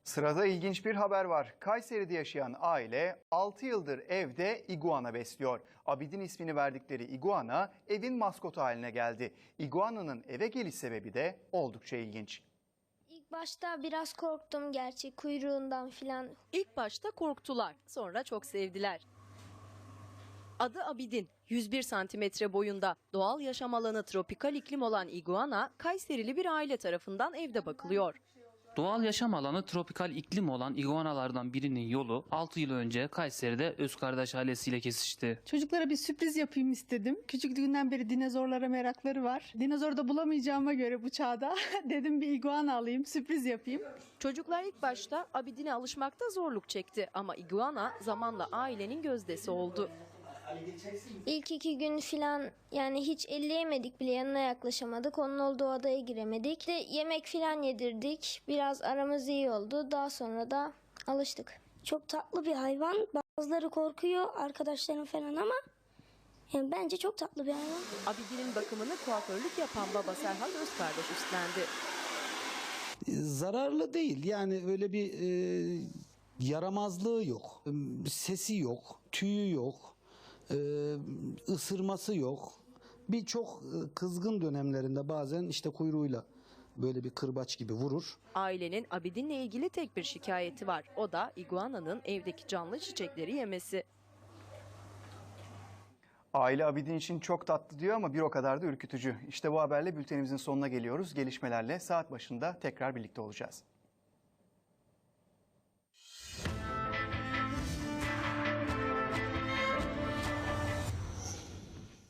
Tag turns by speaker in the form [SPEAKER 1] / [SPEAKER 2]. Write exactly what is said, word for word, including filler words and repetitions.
[SPEAKER 1] Sırada ilginç bir haber var. Kayseri'de yaşayan aile altı yıldır evde iguana besliyor. Abidin ismini verdikleri iguana evin maskotu haline geldi. İguana'nın eve geliş sebebi de oldukça ilginç.
[SPEAKER 2] İlk başta biraz korktum gerçi kuyruğundan filan.
[SPEAKER 3] İlk başta korktular, sonra çok sevdiler. Adı Abidin, yüz bir santimetre boyunda, doğal yaşam alanı tropikal iklim olan iguana, Kayserili bir aile tarafından evde bakılıyor.
[SPEAKER 4] Doğal yaşam alanı tropikal iklim olan iguanalardan birinin yolu altı yıl önce Kayseri'de Özkardeş ailesiyle kesişti.
[SPEAKER 5] Çocuklara bir sürpriz yapayım istedim. Küçüklüğünden beri dinozorlara merakları var. Dinozor da bulamayacağıma göre bu çağda dedim bir iguana alayım, sürpriz yapayım.
[SPEAKER 3] Çocuklar ilk başta Abidin'e alışmakta zorluk çekti ama iguana zamanla ailenin gözdesi oldu.
[SPEAKER 2] İlk iki gün filan yani hiç elleyemedik bile, yanına yaklaşamadık. Onun olduğu odaya giremedik. De yemek filan yedirdik. Biraz aramız iyi oldu. Daha sonra da alıştık.
[SPEAKER 6] Çok tatlı bir hayvan. Bazıları korkuyor arkadaşlarım falan ama yani bence çok tatlı bir hayvan.
[SPEAKER 3] Abidin'in bakımını kuaförlük yapan baba Serhat Özkardeş üstlendi.
[SPEAKER 7] Zararlı değil, yani öyle bir e, yaramazlığı yok, sesi yok, tüyü yok, e, ısırması yok. Birçok kızgın dönemlerinde bazen işte kuyruğuyla böyle bir kırbaç gibi vurur.
[SPEAKER 3] Ailenin Abidin'le ilgili tek bir şikayeti var. O da iguananın evdeki canlı çiçekleri yemesi.
[SPEAKER 1] Aile Abidin için çok tatlı diyor ama bir o kadar da ürkütücü. İşte bu haberle bültenimizin sonuna geliyoruz. Gelişmelerle saat başında tekrar birlikte olacağız.